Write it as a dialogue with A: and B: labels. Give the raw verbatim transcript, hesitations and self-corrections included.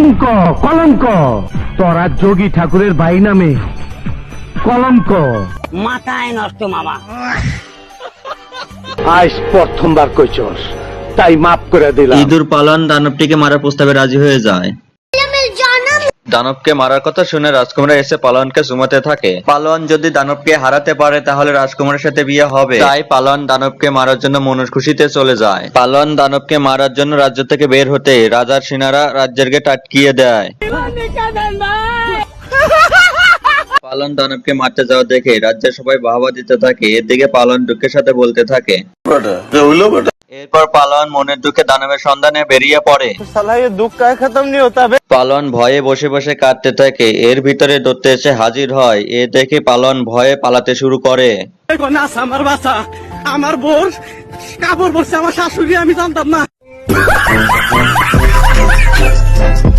A: কলঙ্ক কলঙ্ক তোরা যোগী ঠাকুরের ভাই নামে কলঙ্ক।
B: মাথায় নষ্ট মামা।
A: আজ প্রথমবার কইছস, তাই মাফ করে দিলাম।
C: ইঁদুর পালন দানবটিকে মারার প্রস্তাবে রাজি হয়ে যায়। দানবকে মারার কথা শুনে রাজকুমার এসে পালনকে চুমাতে থাকে। পালন যদি দানবকে হারাতে পারে তাহলে রাজকুমারের সাথে বিয়ে হবে। তাই পালন দানবকে মারার জন্য মনুষ খুশিতে চলে যায়। পালন দানবকে মারার জন্য রাজ্য থেকে বের হতে রাজার সেনারা রাজ্যের গেট আটকিয়ে দেয়। পালন দানবকে মারতে যাওয়া দেখে রাজ্যের সবাই বাহবা দিতে থাকে। এদিকে পালন দুঃখের সাথে বলতে থাকে। এরপর পালন মনের দুঃখে দানবের সন্ধানে বেরিয়ে পড়ে। পালন ভয়ে বসে বসে কাঁদতে থাকে। এর ভিতরে দৈত্য এসে হাজির হয়। এ দেখে পালন ভয়ে পালাতে শুরু করে।
D: আমার বাচ্চা, আমার বোর কাপড় পরছে আমার শাশুড়ি, আমি জানতাম না।